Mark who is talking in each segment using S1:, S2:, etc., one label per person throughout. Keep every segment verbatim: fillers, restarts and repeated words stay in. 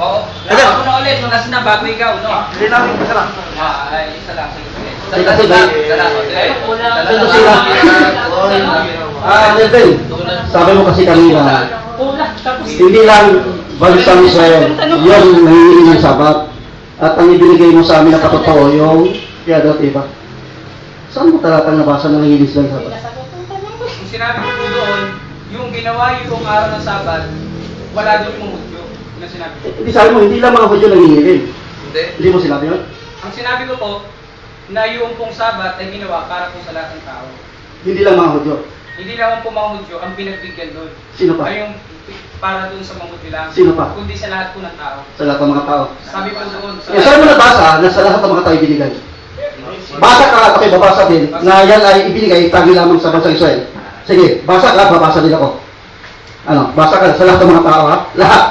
S1: Oo.
S2: Sige.
S1: Ako na ulit, nung na bago ikaw, no?
S2: Hindi namin isa lang.
S1: Ah, ay, isa lang. Sige, sige.
S2: Sige, kasi ba?
S1: Dala, o, dala.
S2: Ito sila. Ah, Nelvin, sabi mo kasi kanina, hindi lang bansang Israel yung nangihingi ng sabat. At ang ibinigay mo sa amin na patotoo yung kaya dati ba? Saan mo talatang nabasa na nangihingi sila ng sabat?
S1: Kung sinabi ko po doon, yung ginawa yung kung araw ng Sabat, wala doon yung mutyo. Yun ang sinabi ko.
S2: Eh, Hindi sabi mo, hindi lang mga Hudyo nangihingi.
S1: Hindi.
S2: Hindi mo sinabi yun?
S1: Ang sinabi ko po, na yung pong Sabat ay ginawa para po sa lahat ng tao.
S2: Hindi lang mga Hudyo.
S1: Hindi lang po mga Hudyo ang pinagbigyan doon.
S2: Sino pa?
S1: Ay yung para doon sa mga Hudyo lang.
S2: Sino pa?
S1: Kundi sa lahat po ng tao.
S2: Sa lahat ng mga tao.
S1: Sabi po doon.
S2: Eh, saan mo nabasa na sa lahat ng mga tao ibinigay? Basa ka, okay, babasa din, na yan ay ibinigay tangi lamang sa bansang Israel. Sige, basa ka, babasa din ako. Ano, basa ka sa lahat ng mga tao, ha? Lahat.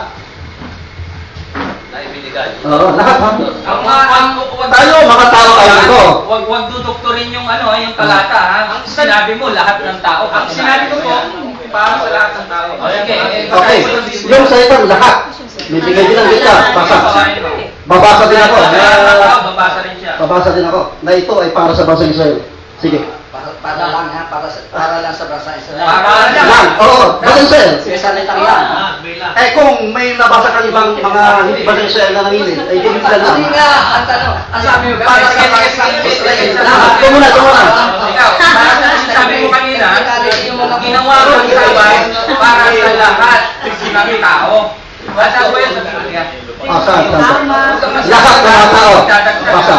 S3: Na ibinigay.
S2: Oo, lahat, ha?
S1: Ang mga ang
S2: Tayo, mga tao kayo dito.
S1: Wag wag dudukturin yung ano, yung talata ha. Ang sinabi mo lahat ng tao. Ang sinabi ko po para sa lahat ng tao. Sige.
S2: Okay, yung salitang lahat. May bigay din ang kita, basa. Babasa din ako. Na,
S1: Babasa rin siya.
S2: babasa din ako. Na ito ay para sa bansang Israel. Sige.
S4: Para, para lang ha, para, sa- para lang sa basa Israel.
S1: Para lang.
S2: Lang, oo, bansang Israel.
S4: Sige, salitang yan.
S2: Eh kung may nabasa kang ibang mga hindi bansang Israel na nanginig, ay hindi sila lang.
S4: Hindi nga, ang tanong, ang sabi mo, para sa basa Israel.
S2: Ito muna, ito muna.
S1: Ikaw, para sa sinabi mo kanina, ginawa ko ang sabay para sa lahat ng tao. Basta ko yan sa Biblia.
S2: Ah, saan, saan? Lahat ng mga tao. Basa.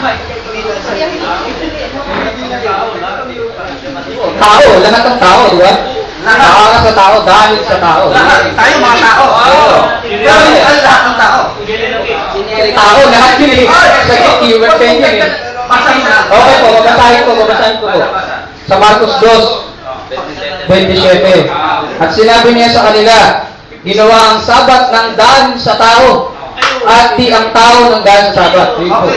S2: Tao, lahat ng tao, di ba? Nakaka sa tao, dahil sa tao.
S1: Lahat, tayo mga tao. Oo.
S2: Pero hindi ay lahat ng tao. Tao, lahat yun eh. Sa keyword kayo yun eh.
S1: Basahin na.
S2: Okay po, babasahin ko, babasahin ko po. Sa Marcos two, twenty-seven. At sinabi niya sa kanila, ginawa ang sabat ng daan sa tao, at di ang tao ng daan sa sabat. Yun po.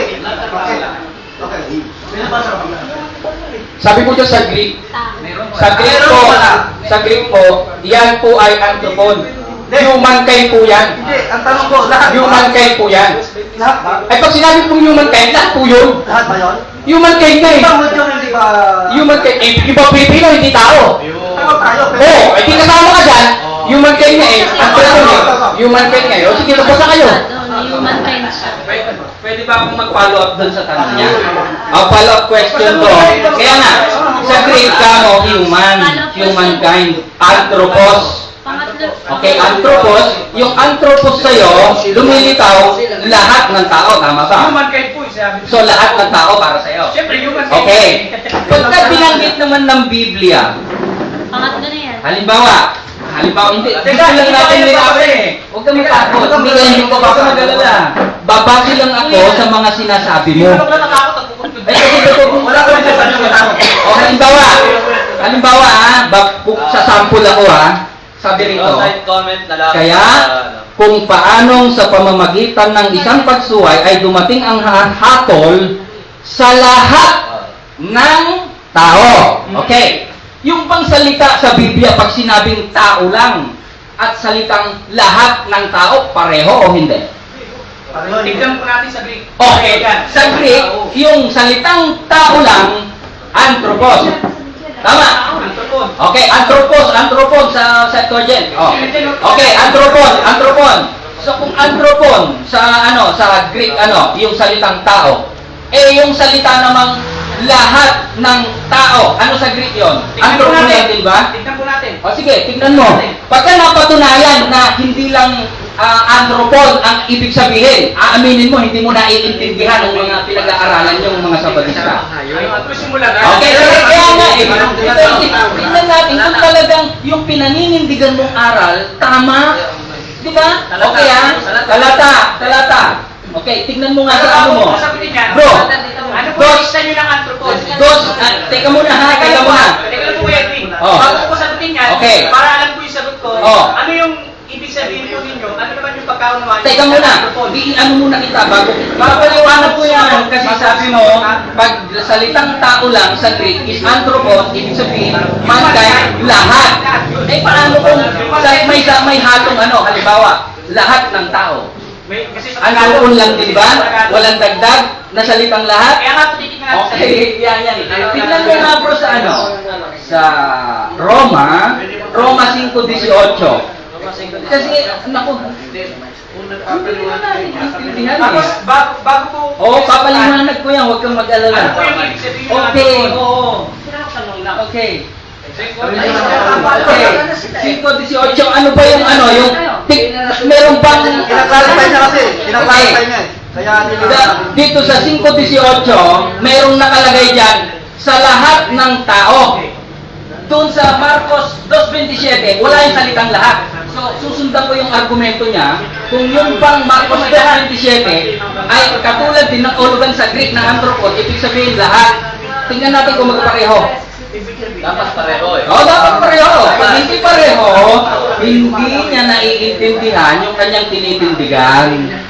S2: Sabi po dyan sa Greek, sa Greek po, sa Greek po, yan po ay anthropon. Humankind po yan.
S5: Hindi, ang tanong ko, lahat ba?
S2: Humankind po yan.
S5: Lahat ba?
S2: Ay pag sinabi pong humankind, lahat po yun.
S5: Lahat ba yun?
S2: Humankind na eh.
S5: Ibang Hudyo hindi ba...
S2: Humankind, eh, iba Pilipino, hindi tao.
S5: Tao tayo, pero...
S2: Oo, oh, eh di kasama ka dyan. Humankind na eh. Anthropon eh. Humankind ngayon. Sige, nabasa kayo.
S6: Human kind siya.
S1: Pwede, pwede ba akong mag-follow up doon sa tanong niya?
S2: Ang follow-up question ko, kaya nga, sa Greek ka mo, human, humankind, anthropos.
S6: Pangatlo.
S2: Okay, anthropos, yung anthropos sa'yo, lumilitaw lahat ng tao, tama ba?
S1: Humankind po, sabi ko.
S2: So, lahat ng tao para sa'yo.
S1: Siyempre, humankind.
S2: Okay. Pagka binanggit naman ng Biblia,
S6: Pangatlo na yan.
S2: halimbawa, halimbawa, hindi,
S1: Teka,
S2: teka lang
S1: hindi
S2: natin
S1: tayo
S2: nila
S1: babasa
S2: eh. Huwag ka matakot, hindi ka hindi ko baka magalala. Babasi lang ako sa mga sinasabi mo.
S1: Hindi ka nakakot ang pupunto.
S2: Ay, kasi totoo.
S5: Wala ka rin sa tanong ko.
S2: O, halimbawa, halimbawa ah, bak- sa sample ako ah, sabi rito,
S3: Outside comment na lang.
S2: kaya kung paanong sa pamamagitan ng isang pagsuway ay dumating ang ha- hatol sa lahat ng tao. Okay. Yung bang salita sa Biblia pag sinabing tao lang at salitang lahat ng tao, pareho o hindi?
S1: Tignan po natin sa Greek.
S2: Okay, sa Greek, yung salitang tao lang, anthropos. Tama?
S1: Anthropon.
S2: Okay, anthropos, anthropon sa Septuagint. Oh. Okay, anthropon, anthropon. So kung anthropon sa ano, sa Greek ano, yung salitang tao, eh yung salita namang lahat ng tao, ano sa Greek yon?
S1: Tignan po
S2: Anthropon
S1: natin.
S2: din ba?
S1: Tignan po natin.
S2: O sige, tignan mo. Pagka napatunayan na hindi lang uh, anthropon ang ibig sabihin, aaminin mo, hindi mo naiintindihan ng mga pinag-aaralan yung mga sabatista.
S1: Ay, ang simula na.
S2: Okay, kaya, kaya nga eh, ito, tignan natin kung talagang yung pinaninindigan mong aral, tama, di ba? Okay ha? Talata, talata. Okay, tignan mo nga sa ano mo. Bro,
S1: Ano po
S2: dos,
S1: isa nyo ng anthropon?
S2: dos, ah, teka muna ha, teka muna.
S1: Teka lang po, Edwin.
S2: Oh.
S1: Bago ko sagutin yan,
S2: Okay.
S1: para alam ko yung sagot ko,
S2: Oh.
S1: ano yung ibig sabihin po ninyo? Ano naman yung pagkaunawaan nyo
S2: Teka
S1: sa
S2: muna,
S1: anthropon?
S2: di ano muna kita bago papaliwanag ko yan kasi sabi mo pag salitang tao lang sa Greek is anthropos, ibig sabihin mankind, lahat. Eh paano kung sa- may may hatong ano, halimbawa, lahat ng tao.
S1: May, kasi sa
S2: Antrupon lang, di ba? Walang dagdag na salitang lahat.
S1: Kaya nga, titignan natin.
S2: Okay, yan, yan. Tignan mo nga bro sa ano? Sa Roma, Roma five eighteen. Kasi, naku, hindi na natin intindihan
S1: Tapos,
S2: eh.
S1: bago, bago ko...
S2: Oo, papaliwanag ko yan, huwag kang mag-alala.
S1: Ano po yung ibig sabihin ng
S2: Okay,
S1: Antrupon?
S2: oo. Okay. Okay. five eighteen, ano ba yung ano, yung, tik, meron bang,
S5: Kinaklarify niya kasi. Kinaklarify niya eh. Kaya nila...
S2: Da- dito sa five eighteen, merong nakalagay dyan, sa lahat ng tao. Doon sa Marcos two twenty-seven, wala yung salitang lahat. So, susundan ko yung argumento niya, kung yung pang Marcos two twenty-seven ay katulad din ng ulugan sa Greek na anthropos, ibig sabihin lahat. Tingnan natin kung magpareho.
S3: Dapat pareho eh.
S2: Oo, dapat pareho. Pag hindi pareho, hindi niya naiintindihan yung kanyang tinitindigan.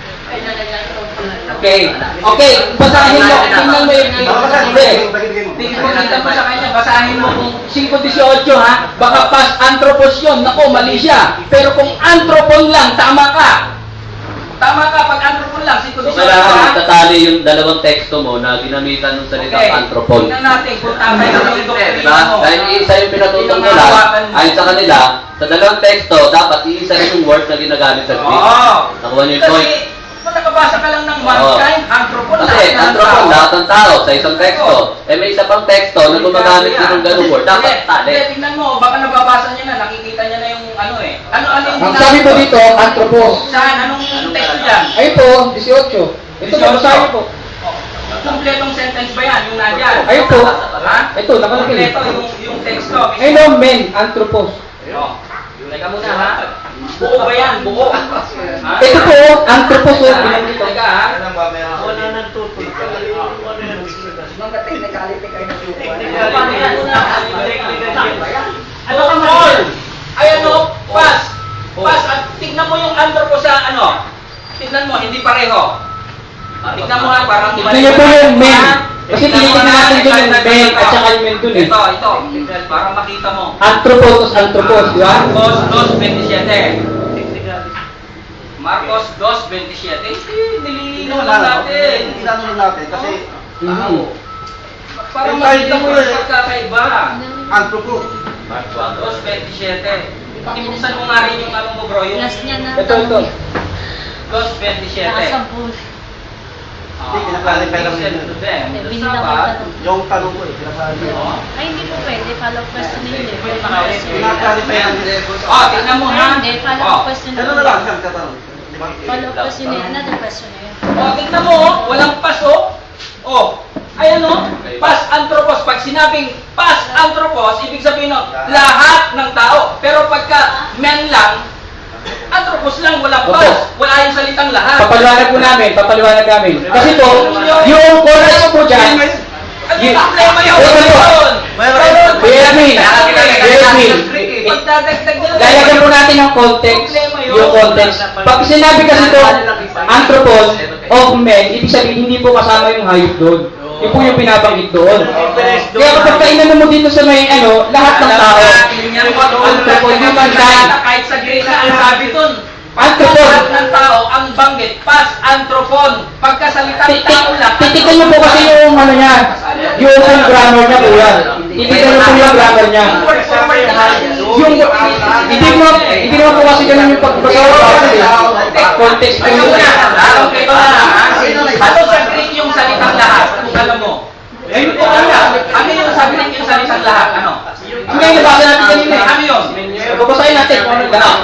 S2: Okay. Okay, basahin mo. Tingnan mo yung... Hindi. Tingnan mo sa kanya, basahin mo kung five eighteen ha. Baka pas anthropos yun. Nako, mali siya. Pero kung anthropon lang, tama ka. Tama ka, pag anthropon lang, five eighteen
S3: Kailangan
S2: ha.
S3: itatali yung dalawang teksto mo na ginamitan ng salitang anthropon.
S2: Tingnan natin kung tama yung doktrina
S3: Diba?
S2: mo.
S3: Dahil isa yung pinatutong nila, ayon sa kanila, sa dalawang teksto, dapat iisa rin yung word na ginagamit sa Greek.
S2: Oo.
S3: Nakuha niyo yung point.
S2: Kasi, kung nakabasa ka lang ng
S3: Oo.
S2: mankind, anthropon,
S3: Kasi
S2: lahat ng
S3: anthropon,
S2: tao.
S3: lahat ng tao sa isang teksto. Eh may isa pang teksto na gumagamit din ng ganung word. Dapat
S2: Hindi,
S3: tali.
S2: hindi, tingnan mo, baka nababasa niya na, nakikita niya na yung ano eh. Ano, ano yung
S7: Ang sabi po dito, anthropos.
S2: Saan? Anong text dyan?
S7: Ayun po, eighteen. Ito, babasahin po.
S2: Kompletong sentence ba yan? Yung nandyan?
S7: Ayun po.
S2: Ha?
S7: Ito, nakalagay.
S2: Kompleto yung, yung teksto.
S7: Ayun o, men, anthropos.
S2: Oh. Teka muna ha. Buo ba yan? Buo. Ha?
S7: Ito po, anthropos o,
S2: Ha?
S7: binanggit ko.
S2: Teka ha.
S5: Wala nang tutoy.
S4: Mga technicality kayo ng
S2: Paano yan? Ano ka all? Ay ano? Pass. Pass. At tignan mo yung anthropos sa ano. Tignan mo, hindi pareho. Tignan mo ha, parang
S7: Tignan niyo po yung men. Kasi tinitignan natin dun yung men at saka yung men dun eh.
S2: Ito, ito. Para makita mo.
S7: Anthropos, anthropos, di ba?
S2: Marcos two twenty-seven. Marcos two twenty-seven. Eh, nililinaw lang natin.
S5: Inano natin kasi
S7: Mhm.
S2: Para
S5: Eh,
S2: makita mo
S5: mo
S2: yung
S5: eh.
S2: pagkakaiba.
S5: anthropo.
S2: two twenty-seven. Ibuksan mo nga rin yung ano mo bro, yung
S6: Last niya na.
S7: Ito, ito.
S2: two twenty-seven.
S6: Nakasampul.
S5: Hindi, kinaklarify lang
S2: Listen
S5: nila.
S2: to them.
S6: Eh,
S2: The
S6: binila ko
S2: Sabbath,
S6: tanong.
S5: Yung tanong ko eh, kinaklarify.
S2: oh.
S6: Ay, hindi po pwede. Follow question na yun eh. Pwede
S2: Ah,
S6: question.
S5: Kinaklarify lang nila.
S2: Oh, tingnan mo ha.
S6: Hindi, follow
S2: Oh.
S6: question na
S5: Ano
S6: yun.
S5: na lang, siyang tatanong. Di ba?
S6: Follow question na yun. Another question na yun.
S2: Oh, tingnan mo, oh. Walang pas, oh. Oh, ayan, oh. Pas anthropos. Pag sinabing pas anthropos, ibig sabihin, no, lahat ng tao. Pero pagka men lang, anthropos lang, walang pas.
S7: Opo.
S2: Wala yung salitang lahat.
S7: Papaliwanag po namin, papaliwanag namin. Kasi po, yung chorus po dyan,
S2: Ano
S7: Ye-
S2: yung problema yun?
S7: Ito po.
S5: Mayroon.
S7: Bear me, bear me.
S2: Pagdadagdag nila.
S7: Lalagyan po natin ng context, yung context. Pag sinabi kasi ito, anthropos of men, ibig sabihin hindi po kasama yung hayop doon. Yun po yung pinabanggit doon. Kaya kapag kainan mo dito sa may ano, lahat ng tao, anthropos, human kind,
S2: Kahit sa Greek na ang sabi dun.
S7: Anthropon.
S2: Lahat ng tao ang banggit. Pas anthropon. Pagkasalitang tao lang.
S7: titikan mo po kasi yung ano niya, yung grammar niya kuya. Titikan mo po yung grammar niya.
S2: Word for word na.
S7: Yung, hindi mo, hindi naman po kasi ganun yung pagbasa ko kasi context po
S2: Teka
S7: yun.
S2: muna. Alam kayo ba? Ano sa Greek yung salitang lahat? Kung alam mo. Ayun po alam. Ano yung sabi ng yung salitang lahat? Ano?
S7: Hindi, nabasa natin kanina eh.
S2: Ano yun?
S7: Babasahin natin kung ano lahat.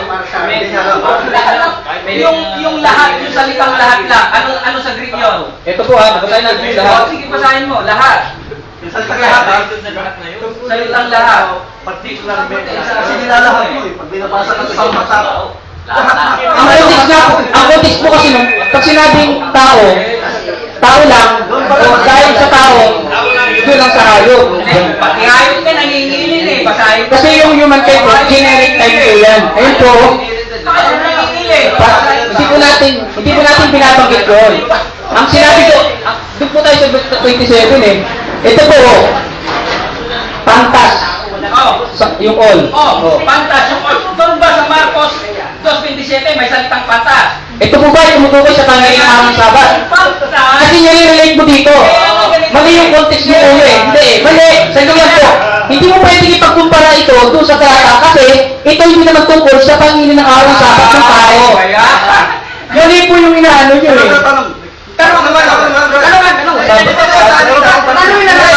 S2: Yung yung lahat, yung salitang lahat lang. Ano ano sa Greek yun?
S7: Ito po ha, babasahin natin yung lahat.
S2: Oh, sige, basahin mo. Lahat.
S5: Yung salitang lahat ha.
S2: Salitang lahat.
S5: Particular men. Kasi nilalahat mo eh. Pag binabasa ka sa mata.
S7: Ang context na, ang context po kasi nung, pag sinabing tao, tao lang, o dahil sa tao, doon lang sa hayop.
S2: Pati hayop ka nangingilin eh. Basahin mo.
S7: Kasi yung human kind po, generic type po yan. Ayun po,
S2: Bakit nangingilin?
S7: pa- hindi po natin, hindi po natin binabanggit doon. Ang sinabi ko, ang- doon po tayo sa twenty-seven eh. Ito po, pantas,
S2: Oh.
S7: sa, yung all.
S2: Oh, pantas yung all. Doon ba sa Marcos two twenty-seven may salitang pantas?
S7: Ito po ba ay tumutukoy sa tanggalin ng araw ng Sabat? Kasi nire-relate mo dito. Mali yung context mo ulo eh. Hindi eh. Mali. Sa ganyan po. Hindi mo pwedeng ipagkumpara ito doon sa talata kasi ito hindi naman tungkol sa pangingin ng araw ng Sabat ng tao. Mali po yung inaano nyo eh.
S5: Tanong, tanong.
S4: Tanong naman, tanong naman, tanong naman.
S7: Tanong
S4: Tanong naman.